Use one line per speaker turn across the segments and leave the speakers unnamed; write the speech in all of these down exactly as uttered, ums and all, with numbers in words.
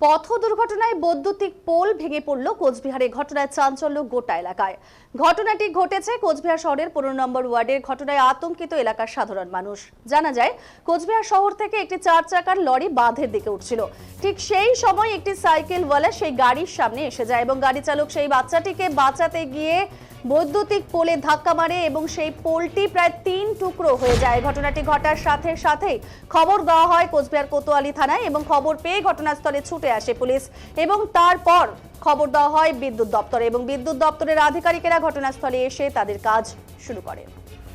পথ দুর্ঘটনায় বৈদ্যুতিক পোল ভেঙে পড়ল কোচবিহারে। ঘটনায় চাঞ্চল্য গোটা এলাকায়। ঘটনাটি ঘটেছে কোচবিহার শহরের পনেরো নম্বর ওয়ার্ডের। ঘটনায় আতঙ্কিত এলাকার সাধারণ মানুষ। জানা যায়, কোচবিহার শহর থেকে একটি চার চাকার লরি বাঁধের দিকে উঠছিল। ঠিক সেই সময় একটি সাইকেলওয়ালা সেই গাড়ির সামনে এসে যায় এবং গাড়ি চালক সেই বাচ্চাটিকে বাঁচাতে গিয়ে বৈদ্যুতিক পোলে ধাক্কা মারে এবং সেই পোলটি প্রায় তিন টুকরো হয়ে যায়। ঘটনাটি ঘটার সাথে সাথেই খবর দেওয়া হয় কোচবিহার কোতোয়ালি থানায় এবং খবর পেয়ে ঘটনাস্থলে ছুটে আসে পুলিশ এবং তারপর খবর দেওয়া হয় বিদ্যুৎ দপ্তরে এবং বিদ্যুৎ দপ্তরের আধিকারিকেরা ঘটনাস্থলে এসে তাদের কাজ শুরু করেন।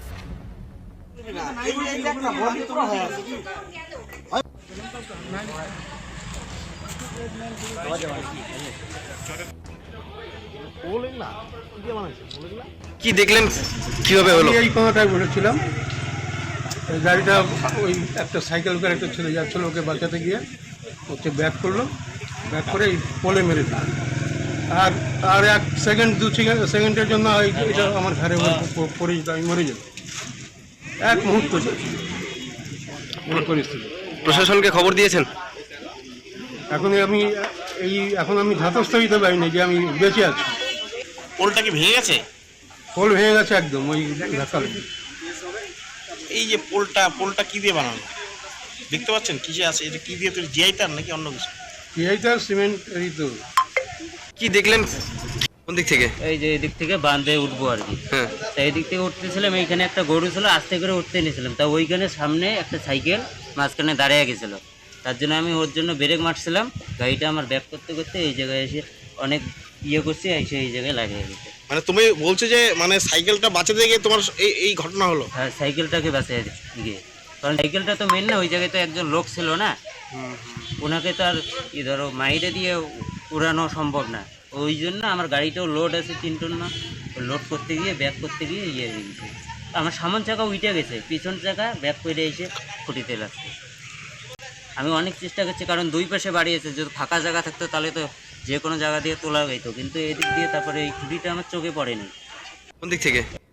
কি দেখলেন, কিভাবে হলো?
এই কোনোটায় বসেছিলাম, গাড়িটা ওই একটা সাইকেল করে একটা ছেলে যাচ্ছিল, ওকে বাঁচাতে গিয়ে হচ্ছে ব্যাক করলো, ব্যাক করে এই পোলে মেরে দিল। আর আর এক সেকেন্ড দু সেকেন্ডের জন্য এটা আমার ঘরে পড়ে যেত, আমি মরে যেত। এক মুহূর্ত পরিস্থিতি।
প্রশাসনকে খবর দিয়েছেন?
এখন আমি এই এখন আমি ধাতস্থ হইতে পারিনি যে আমি বেঁচে আছি।
পোলটা কি ভেঙে গেছে?
পোল ভেঙে গেছে একদম ওই ধাক্কা লেগে।
এই যে পোলটা পোলটা কি দিয়ে বানানো দেখতে পাচ্ছেন? কিসে আছে? এটা কি দিয়ে তৈরি? জিআই তার নাকি অন্য কিছু?
এইটা সিমেন্ট এই তো।
কি দেখলেন কোন দিক থেকে?
এই যে এদিক থেকে বাঁধে উঠবো আর কি।
হ্যাঁ,
তা এদিক থেকে উঠতেছিলাম, এইখানে একটা গরু ছিল, আস্তে করে উঠতে নিয়েছিলাম। তা ওইখানে সামনে একটা সাইকেল মাঝখানে দাঁড়িয়ে গেছিল, তার জন্য আমি ওর জন্য ব্রেক মারছিলাম। গাড়িটা আমার ব্যাক করতে করতে এই জায়গায় এসে অনেক ইয়ে করছি, এসে এই জায়গায় লাগিয়ে গেছে।
মানে তুমি বলছো যে মানে সাইকেলটা বাঁচাতে গিয়ে তোমার এই এই ঘটনা হলো?
হ্যাঁ, সাইকেলটাকে বাঁচিয়ে গিয়ে, কারণ সাইকেলটা তো মেন না, ওই জায়গায় তো একজন লোক ছিল না, ওনাকে তো আর ই ধরো মাইরে দিয়ে উড়ানো সম্ভব না। ওই জন্য আমার গাড়িটাও লোড আছে তিন টন না, লোড করতে গিয়ে ব্যাক করতে গিয়ে ইয়ে হয়ে গেছে। আমার সামন চাকা উঠে গেছে, পিছন চাকা ব্যাক করে এসে খুঁটিতে লাগছে। আমি অনেক চেষ্টা করছি, কারণ দুই পাশে বাড়িয়েছে, যদি ফাঁকা জায়গা থাকতো তাহলে তো যে কোনো জায়গা দিয়ে তোলা যেত, কিন্তু এদিক দিয়ে তারপরে এই খুঁটিটা আমার চোখে পড়েনি।
কোন দিক থেকে?